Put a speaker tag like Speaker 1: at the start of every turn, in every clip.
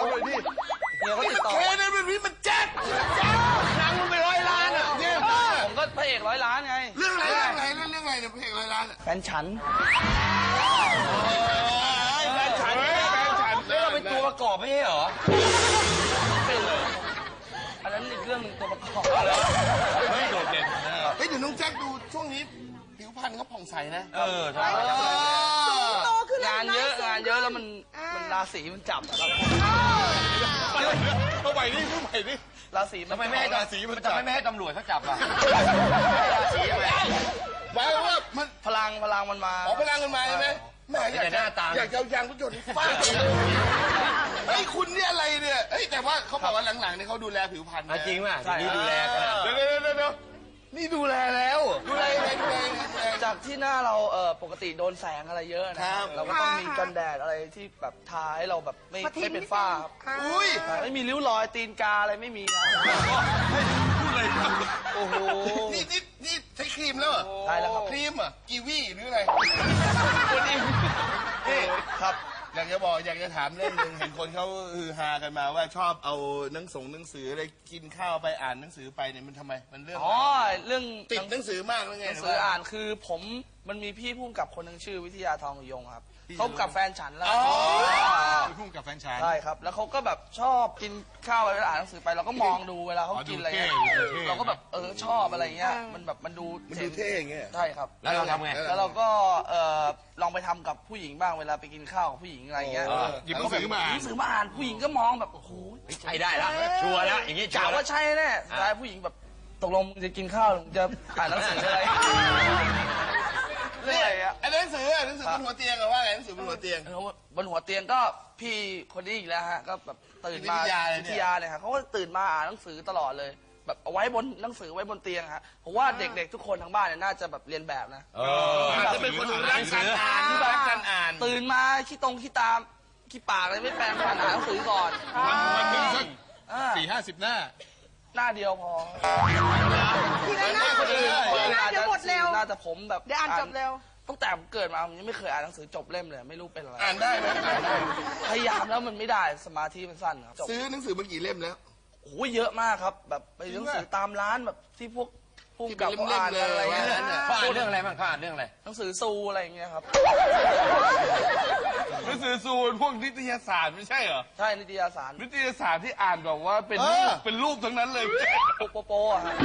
Speaker 1: เลยดิ
Speaker 2: เฮียก็ติดต่อ
Speaker 1: เคนั่นเป็นพี่มันแจ็คหนังมันไป100 ล้านอ่ะเนี่ย
Speaker 2: ผมก็พระเอก100 ล้านไง
Speaker 1: เรื่องอะไรเนี่ยเพลง100 ล้านอ่ะ
Speaker 2: แฟนฉัน
Speaker 1: แฟนฉันแล้วเราเป็นตัวประกอบไม่ใช่เหรอ
Speaker 2: เป็นเลยอันนั้นอีกเรื่องหนึ่งตัวประกอบ
Speaker 1: ไม่โดดเด่นเฮ้ยเดี๋ยวน้องแจ็คดูช่วงนี้ผิวพรรณเขาผ่องใสนะใช่
Speaker 3: โตขึ้น
Speaker 2: งานเยอะแล้วมันราศีมันจับครับ
Speaker 1: เข้าไปนี่เข้าไปนี่
Speaker 2: ราศี
Speaker 4: ทำไมไม่ให้ราศีมันทำไมไม่ให้ตำรวจเขาจับล่ะราศีทำไม
Speaker 1: หมายว่ามัน
Speaker 2: พลังมันมา
Speaker 1: พลังกันมาใช่ไหมแม่อยากจะเอายางรถยนต์ฟาดเฮ้ยคุณเนี่ยอะไรเนี่ยเฮ้ยแต่ว่าเขาบอกว่าหลังๆเนี่ยเขาดูแลผิวพรรณ
Speaker 4: จริงป่ะทีนี้ดูแลกัน
Speaker 1: เดี๋ยวนี่ดูแลแล้วดูแล
Speaker 2: จากที่หน้าเราปกติโดนแสงอะไรเยอะนะครับเราก็ต้องมีกันแดดอะไรที่แบบทาให้เราแบบไม่เป็นฝ้าครับ
Speaker 1: อุ้ย
Speaker 2: ไม่มีริ้วรอยตีนกาอะไรไม่มีครับ
Speaker 1: พูดเลย
Speaker 2: โอ้โห
Speaker 1: นี่ใช้ครีมแล้วเหรอ
Speaker 2: ใช่แล้วครับ
Speaker 1: ครีมอ่ะกีวีหรืออะไร
Speaker 2: คนนี้
Speaker 1: นี่
Speaker 2: ครับ
Speaker 1: อยากจะถามเรื่องนึงเห็นคนเขาฮือฮากันมาว่าชอบเอาหนังสืออะไรกินข้าวไปอ่านหนังสือไปเนี่ยมันทำไมมันเรื่อง
Speaker 2: อ๋อเรื่อง
Speaker 1: ติดหนังสือมากแล้วไง
Speaker 2: หนังสืออ่านคือมันมีพี่พุ่มกับคนหนึ่งชื่อวิทยาทองยงครับเขากับแฟนฉันแล้ว
Speaker 1: พุ่งกับแฟนชาย
Speaker 2: ใช่ครับแล้วเขาก็แบบชอบกินข้าวเวลาอ่านหนังสือไปเราก็มองดูเวลาเขากินอะไรเงี้ยเราก็แบบชอบอะไรเงี้ยมันแบบมันดู
Speaker 1: เท่อย่างเงี้ย
Speaker 2: ใช่ครับ
Speaker 4: แล้วเราทำไง
Speaker 2: แล้วเราก็ลองไปทำกับผู้หญิงบ้างเวลาไปกินข้าวกับผู้หญิงอะไรเงี้ย
Speaker 1: หยิบหนังสือมา
Speaker 2: หยิบหนังสือมาอ่านผู้หญิงก็มองแบบโอ้โห
Speaker 4: ใช่ได้แล้วชัวร์แล้วอย่างงี้ชั
Speaker 2: กะ
Speaker 4: วร์แล้ว
Speaker 2: ว่าใช่แน่สุดท้ายผู้หญิงแบบตกลงมึงจะกินข้าวหรือมึงจะอ่านหนังสืออะไรเรื่องอะไรอะ
Speaker 1: ไอ้หนังสือบนหัวเตียงอะว่าไงหนังสือบนหัวเตียง
Speaker 2: บนหัวเตียงก็พี่คนนี้อีกแล้วฮะก็แบบตื่นมา
Speaker 1: วิทยาเลยเนี่ย
Speaker 2: วิทยาเลยครับเขาก็ตื่นมาอ่านหนังสือตลอดเลย แบบเอาไว้บนหนังสือไว้บนเตียงฮะผมว่าเด็กๆทุกคนทั้งบ้านเนี่ยน่าจะแบบเรียนแบบนะ
Speaker 1: อาจจะเป็นคนรักการอ่านที่รักการอ่าน
Speaker 2: ตื่นมาขี้ตามขี้ปากอะไรไม่แปรงฟันอ่านหนังสือก่อน
Speaker 1: วันหนึ่งสัก
Speaker 2: 40-50 หน้าหน้าเดียวพอ
Speaker 3: ทีละหน้า
Speaker 2: คนอื่น
Speaker 3: เดี๋ยวหมดเร็ว
Speaker 2: น่าจะผมแบบ
Speaker 3: เดี๋ยวอ่านจบเร็ว
Speaker 2: ตั้งแต่ผมเกิดมาผมยังไม่เคยอ่านหนังสือจบเล่มเลยไม่รู้เป็นอะไร
Speaker 1: อ่านได้ไหมอ่านได้
Speaker 2: พยายามแล้วมันไม่ได้สมาธิมันสั้นครับ
Speaker 1: ซื้อหนังสือมากี่เล่มแล้ว
Speaker 2: โอ้โหเยอะมากครับ แบบไปหนังสือตามร้านแบบที่พวกผู้กับ
Speaker 1: ที่เป็นเล่มๆ
Speaker 2: อ่านกันอะไรเงี้ย
Speaker 1: เลย
Speaker 4: เขาอ่านเรื่องอะไรบ้างเขาอ่านเรื่องอะไร
Speaker 2: หนังสือซูอะไรอย่างเงี้ยครับ
Speaker 1: หนังสือซูนพวกนิตยสารไม่ใช่เหรอ
Speaker 2: ใช่นิตยสาร
Speaker 1: นิตยสารที่อ่านแบบว่าเป็นรูปทั้งนั้นเลย
Speaker 2: โปอะฮะ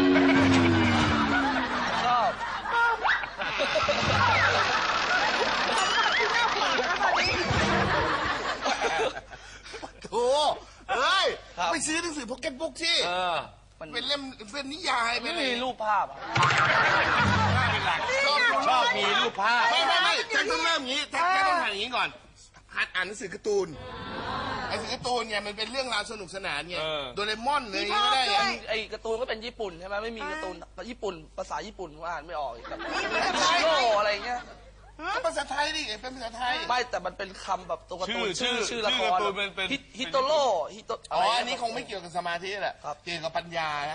Speaker 2: ชอบ
Speaker 1: โถ่เฮ้ยไปซื้อหนังสือพ็อกเก็ตบุ๊กที่
Speaker 2: มัน
Speaker 1: เป็นเล่มเป็นนิยายเป็
Speaker 2: ไม่
Speaker 1: นอะไร
Speaker 2: มีรูปภาพอะ
Speaker 1: เป็นหลักชอบมีรูปภาพไม่แจ็คต้องเริ่มอย่างนี้แจ็คต้องทำอย่างนี้ก่อนหัดอ่านหนังสือการ์ตูนหนังสือการ์ตูนเนี่ยมันเป็นเรื่องราวสนุกสนานไงโดเรมอนเลยก็ได้ไง
Speaker 2: ไอ้การ์ตูนก็เป็นญี่ปุ่นใช่ไหมไม่มีการ์ตูนญี่ปุ่นภาษาญี่ปุ่นผมอ่านไม่ออกอีกแบบโลอะไรเงี้ย
Speaker 1: ภาษาไทยดิเป็นภาษาไทย
Speaker 2: ไม่แต่มันเป็นคำแบบตัวการ์ตูนชื่อละคร
Speaker 1: เป็น
Speaker 2: ฮิโตโร่ฮิโต
Speaker 1: อ๋ออันนี้คงไม่เกี่ยวกับสมาธิแหละเกี่ยวกับปัญญาฮะ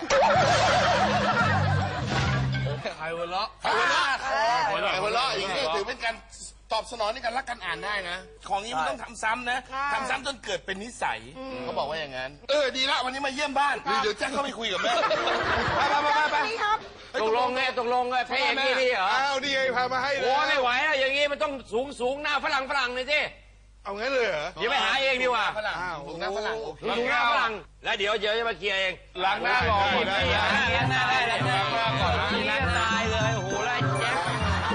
Speaker 2: ใครหัวเราะ
Speaker 1: หัวเราะอย่างนี้ถือเป็นการตอบสนองในการรักการอ่านได้นะ ของนี้มันต้องทำซ้ำนะทำซ้ำจนเกิดเป็นนิสัยเขาบอกว่าอย่างนั้นดีละวันนี้มาเยี่ยมบ้านเดี๋ยวแจ็คเข้าไปคุยกับแม่ไป
Speaker 3: นี่ครับ
Speaker 4: ตกลงไงพระเอกนี่เหรอ
Speaker 1: เอาดีไงพามาให้
Speaker 4: โอ้ไม่ไหวแล้วอย่างงี้มันต้องสูงหน้าฝรั่งเลยสิ
Speaker 1: เอางั้นเลยเหรอ
Speaker 4: เดี๋ยวไปหาเองดีกว่า
Speaker 1: ฝรั่งถูกนะฝรั่งโอเค
Speaker 4: สูงหน้าฝรั่งแล้วเดี๋ยวจะมาเคลียร์เอง
Speaker 1: ล้างหน้ารอก่อนได้
Speaker 4: หน้าได้ล้างหน้าก่อนล้างตายเลยโอ้โหไล่แจ๊ค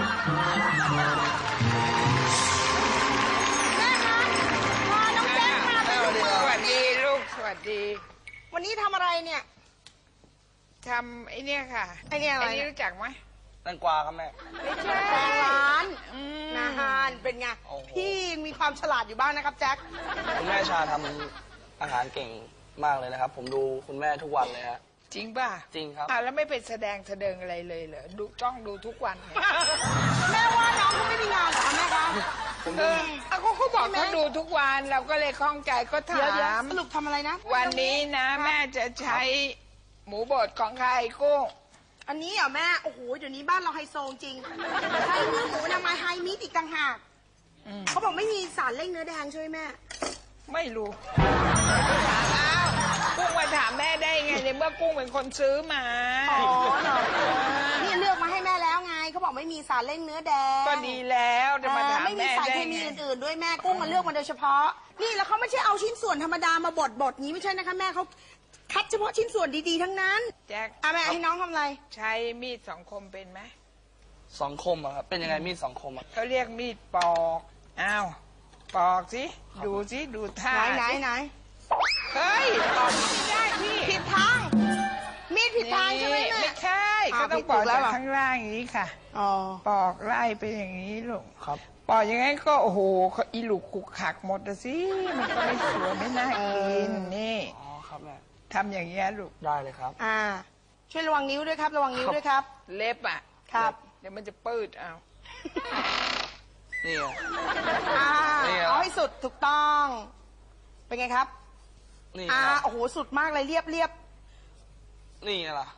Speaker 3: พอน้องแจ๊คมาเป็น
Speaker 5: สวัสดีลูกสวัสดี
Speaker 3: วันนี้ทำอะไรเนี่ย
Speaker 5: ทำไอ้เนี่ยค่ะ
Speaker 3: ไอ้เนี่ยอะไร
Speaker 5: นนี้รู้จักไหม
Speaker 2: แตงกวาครับแม่
Speaker 5: ไม่ใช่
Speaker 3: แปลงร้าน
Speaker 5: นะ
Speaker 3: นาฮานเป็นไง
Speaker 2: โอ้โห
Speaker 3: พี่ยังมีความฉลาดอยู่บ้างนะครับแจ็ค
Speaker 2: คุณแม่ชาทำอาหารเก่งมากเลยนะครับ ผมดูคุณแม่ทุกวันเลยฮะ
Speaker 5: จริงป่ะ
Speaker 2: จริงครับ
Speaker 5: แล้วไม่เป็นแสดงอะไรเลยเหรอดูต้องดูทุกวันเลย
Speaker 3: แม่ว่าน้องเขาไม่มีงานเหรอคะแม่คะ
Speaker 5: เขาบอกเขาดูทุกวันเราก็เลยคล่องใจก็ถ
Speaker 3: เดี๋ยว
Speaker 5: าม
Speaker 3: สรุปทำอะไรนะ
Speaker 5: วันนี้นะแม่จะใช้หมูบดของใครกุ้ง
Speaker 3: อันนี้เหรอแม่โอ้โหเดี๋ยวนี้บ้านเราไฮโซจริงใช้เนื้อหมูนามาไฮมิตอีกต่างหากเขาบอกไม่มีสารเร่งเนื้อแดงใช่ไหมแม่
Speaker 5: ไม่รู้อ้าวกุ้งมาถามแม่ได้ไงในเมื่อกุ้งเป็นคนซื้อมา
Speaker 3: อ๋อเหรอนี่เลือกมาให้แม่แล้วไงเขาบอกไม่มีสารเล่งเนื้อแดง
Speaker 5: ก็ดีแล้วจะมาถาม
Speaker 3: ไม่มี
Speaker 5: แม่
Speaker 3: สาร
Speaker 5: ได้
Speaker 3: เคมี
Speaker 5: ไง
Speaker 3: อื่นๆด้วยแม่กุ้งมาเลือกมาโดยเฉพาะ นี่แล้วเขาไม่ใช่เอาชิ้นส่วนธรรมดามาบดนี้ไม่ใช่นะคะแม่เขาคัดเฉพาะชิ้นส่วนดีๆทั้งนั้น
Speaker 5: แจ็ค
Speaker 3: อ่ะแม่ให้น้องทำอะไร
Speaker 5: ใช้มีดสองคมเป็นไหม
Speaker 2: สองคมอะครับเป็นยังไงมีดสองคมอะ
Speaker 5: เขาเรียกมีดปอกอ้าวปอกสิดูสิดูท่า
Speaker 3: ไหน
Speaker 5: สิ
Speaker 3: ไหน
Speaker 5: เฮ้ยปอกไม่ได้พี่
Speaker 3: ผิดทาง มีดผิดทางใช่ไหมแม่
Speaker 5: ไม่ใช่
Speaker 3: อ้าว
Speaker 5: ก็ต้อง
Speaker 3: ผิด
Speaker 5: ปอก
Speaker 3: แล้
Speaker 5: จาว ก
Speaker 3: เหรอ
Speaker 5: ข้างล่างอย่างนี้ค่ะ
Speaker 3: อ๋อ
Speaker 5: ปอกไล่ไปอย่างนี้ลูก
Speaker 2: ครับ
Speaker 5: ปอกอย่างงั้นก็โอ้โหอีหลุกขุกขักหมดอะสิมันก็ไม่สวยไม่น่ากินนี่
Speaker 2: อ๋อครับแม่
Speaker 5: ทำอย่างเงี้ยลูก
Speaker 2: ได้เลยครับ
Speaker 3: อ่า ช่วยระวังนิ้วด้วยครับ ระวังนิ้วด้วยครับ
Speaker 5: เล็บอ่ะ
Speaker 3: ครับ
Speaker 5: เดี๋ยวมันจะปืดเอา
Speaker 2: นี่ไง
Speaker 3: อ่า
Speaker 2: นี่เหรอ
Speaker 3: เอาให้สุดถูกต้อง เป็นไงครับ
Speaker 2: นี่
Speaker 3: อ่า
Speaker 2: ครับ
Speaker 3: โอ้โห สุดมากเลยเรียบ
Speaker 2: นี่ไงล่ะ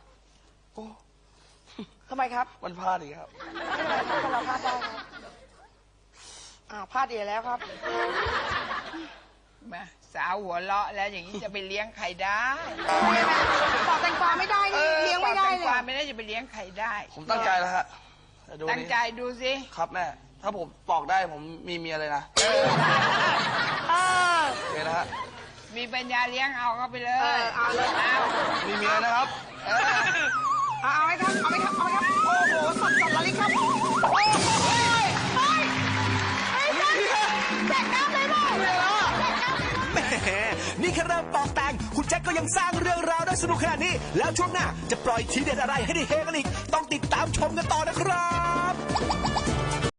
Speaker 3: ทำไมครับ
Speaker 2: มันพลาดอีกครับ
Speaker 3: คนเราพลาดได้ครับอ้าวพลาดอีกแล้วครับ
Speaker 5: มาสาวหัวเลาะแล้วอย่างนี้จะไปเลี้ยงใครได้
Speaker 3: ปอกแตงกวาไม่ได้นี่เลี้ยงไม่ได้
Speaker 5: ปอก
Speaker 3: เล
Speaker 5: แตงกวาย ไม่ได้จะไปเลี้ยงใครได้
Speaker 2: ผมตั้งใจแล้วฮะเดี๋ยวดู
Speaker 5: ตั้ง
Speaker 2: นี่
Speaker 5: ใจดูสิ
Speaker 2: ครับแม่ ถ้าผมปอกได้ผมมีเมียเลยนะ
Speaker 3: เออ
Speaker 2: โอเคนะฮะ
Speaker 5: มีปัญญาเลี้ยงเอาเข้าไปเล
Speaker 3: เอย อเอาเลย
Speaker 5: เอา
Speaker 2: มีเมียนะครับ
Speaker 3: เอาไหมครับ เอาไหมครับ เอาไหมครับ โอ้โหสุดแล้วลิครับ โอ้ยเฮ้ยเฮ้ยแจกน้ำเลยมั้ง
Speaker 6: แหมนี่แค่เริ่มปอกแต่ง คุณแจ็คก็ยังสร้างเรื่องราวได้สนุกขนาดนี้ แล้วช่วงหน้าจะปล่อยทีเด็ดอะไรให้ได้เฮกันอีก